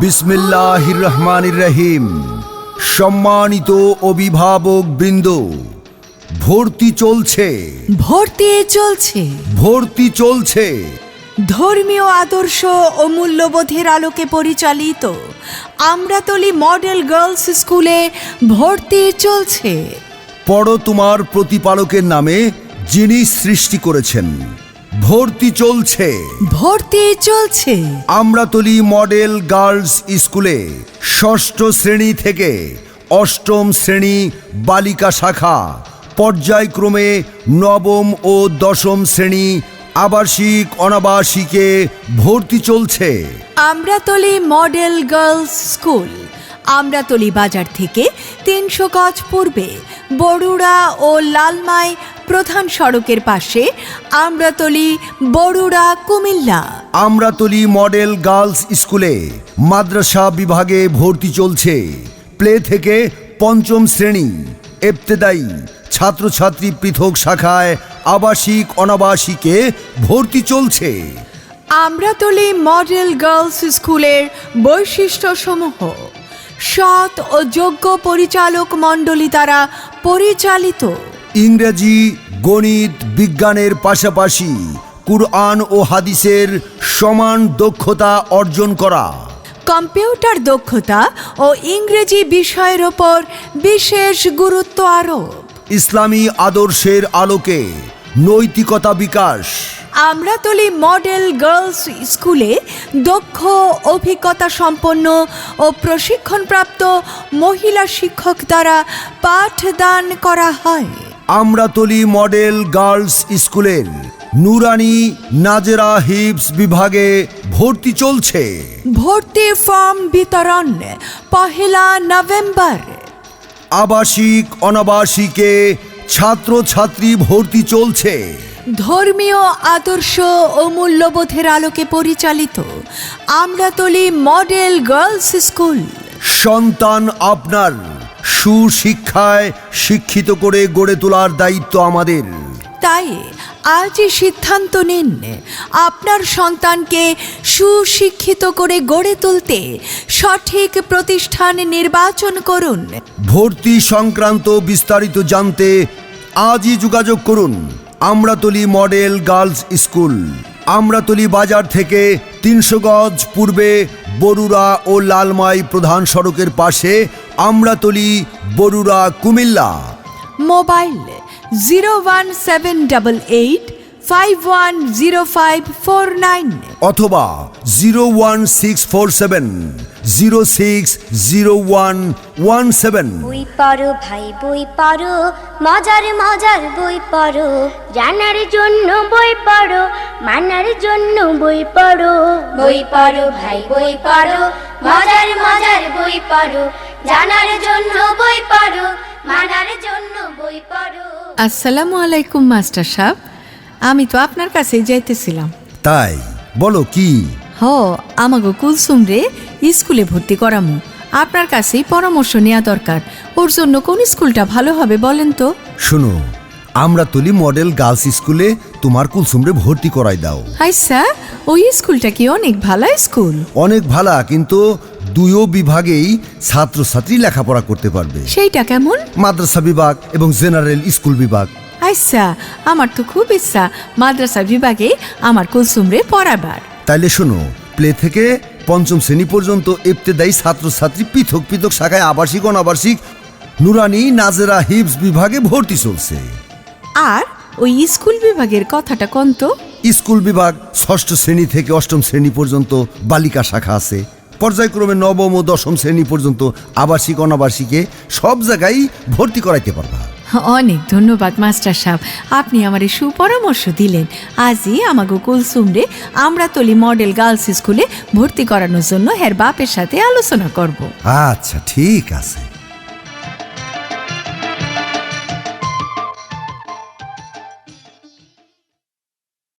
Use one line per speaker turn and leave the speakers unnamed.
বিসমিল্লাহির রহমানির রহিম। সম্মানিত অভিভাবক বৃন্দ, ভর্তি চলছে।
ধর্মীয় আদর্শ ও মূল্যবোধের আলোকে পরিচালিত আমরাতলী মডেল গার্লস স্কুলে ভর্তি চলছে।
পড়ো তোমার প্রতিপালকের নামে, যিনি সৃষ্টি করেছেন। ভর্তি চলছে আমরাতলী মডেল গার্লস স্কুলে ষষ্ঠ শ্রেণী থেকে অষ্টম শ্রেণী বালিকা শাখা, পর্যায়ক্রমে নবম ও দশম শ্রেণী আবাসিক অনাবাসিকে ভর্তি চলছে।
Amratali model girls school Amratali বাজার থেকে ৩০০ গজ পূর্বে বরুড়া ও লালমাই প্রধান সড়কের পাশে, আমরাতলী, বরুড়া, কুমিল্লা।
আমরাতলী মডেল গার্লস স্কুলে মাদ্রাসা বিভাগে ভর্তি চলছে। প্লে থেকে পঞ্চম শ্রেণী, ইবতেদায়ী, ছাত্রছাত্রী পৃথক শাখায় আবাসিক অনাবাসিকে ভর্তি চলছে।
আমরাতলী মডেল গার্লস স্কুলের বৈশিষ্ট্যসমূহ: সৎ ও যোগ্য পরিচালক মণ্ডলী দ্বারা পরিচালিত।
ইংরেজি, গণিত, বিজ্ঞানের পাশাপাশি কুরআন ও হাদিসের সমান দক্ষতা অর্জন করা।
কম্পিউটার দক্ষতা ও ইংরেজি বিষয়ের ওপর বিশেষ গুরুত্ব আরোপ।
ইসলামী আদর্শের আলোকে নৈতিকতা বিকাশ।
আমরাতলী মডেল গার্লস স্কুলে দক্ষ, অভিজ্ঞতা সম্পন্ন ও প্রশিক্ষণপ্রাপ্ত মহিলা শিক্ষক দ্বারা পাঠদান করা হয়।
আমরাতলী মডেল গার্লস স্কুলের নুরানি, নাজেরা হিফজ বিভাগে ভর্তি চলছে।
ভর্তি ফর্ম বিতরণ ১ নভেম্বর।
আবাসিক অনাবাসিকে ছাত্রছাত্রী ভর্তি চলছে।
ধর্মীয় আদর্শ ও মূল্যবোধের আলোকে পরিচালিত আমরাতলী মডেল গার্লস স্কুল।
সন্তান আপনার, সুশিক্ষায় শিক্ষিত করে গড়ে তোলার দায়িত্ব আমাদের।
তাই আজই সিদ্ধান্ত নিন, আপনার সন্তানকে সুশিক্ষিত করে গড়ে তুলতে সঠিক প্রতিষ্ঠান নির্বাচন করুন।
ভর্তি সংক্রান্ত বিস্তারিত জানতে আজই যোগাযোগ করুন। Amratali model girls school, Amratali বাজার থেকে ৩০০ গজ পূর্বে বরুড়া ও লালমাই প্রধান সড়কের পাশে, আমরাতলী, বরুড়া, কুমিল্লা।
মোবাইল 01788510549
অথবা 01647060117।
বই পড়ো ভাই, বই পড়ো, মজার মজার বই পড়ো, জানার জন্য বই পড়ো, মানার জন্য বই পড়ো। বই পড়ো ভাই, বই পড়ো, মজার মজার বই পড়ো, জানার জন্য বই পড়ো, মানার জন্য বই পড়ো।
আসসালামু আলাইকুম মাস্টার সাহেব, আমি তো আপনার কাছেই যাইতেছিলাম।
তাই বলো কি?
আমাগো কুলসুম রে স্কুলে ভর্তি করামু, আপনার কাছেই পরামর্শ নেওয়া দরকার। ওর জন্য কোন স্কুলটা ভালো হবে বলেন তো?
শোনো, আমরাতলী মডেল গার্লস স্কুলে তোমার কুলসুমরে ভর্তি করাই দাও।
আচ্ছা, ওই স্কুলটা কি অনেক ভালো স্কুল?
অনেক ভালো, কিন্তু দুইও বিভাগেই ছাত্রছাত্রী লেখাপড়া করতে পারবে।
সেইটা কেমন?
মাদ্রাসা বিভাগ এবং জেনারেল স্কুল বিভাগ।
আচ্ছা, আমার তো খুব ইচ্ছা মাদ্রাসা বিভাগে আমার কুলসুমরে পড়াবার।
তাইলে শোনো, প্লে থেকে পঞ্চম শ্রেণী পর্যন্ত ইবতেদায়ী ছাত্রছাত্রী পৃথক পৃথক শাখায় আবাসিক অনাবাসিক নুরানি, নাজেরা হিফজ বিভাগে ভর্তি চলছে।
আর ওই স্কুল বিভাগের কথাটা কোন তো?
স্কুল বিভাগ ষষ্ঠ শ্রেণী থেকে অষ্টম শ্রেণী পর্যন্ত বালিকা শাখা আছে। পর্যায়ক্রমে নবম ও দশম শ্রেণী পর্যন্ত আবাসিক অনাবাসিকে সব জায়গায় ভর্তি করাইতে পারবা।
অনেক ধন্যবাদ মাস্টার সাহেব, আপনি আমার সুপরামর্শ দিলেন। আজই আমাগো কুলসুমরে আমরাতলী মডেল গার্লস স্কুলে ভর্তি করানোর জন্য হের বাপের সাথে আলোচনা করব।
আচ্ছা, ঠিক আছে।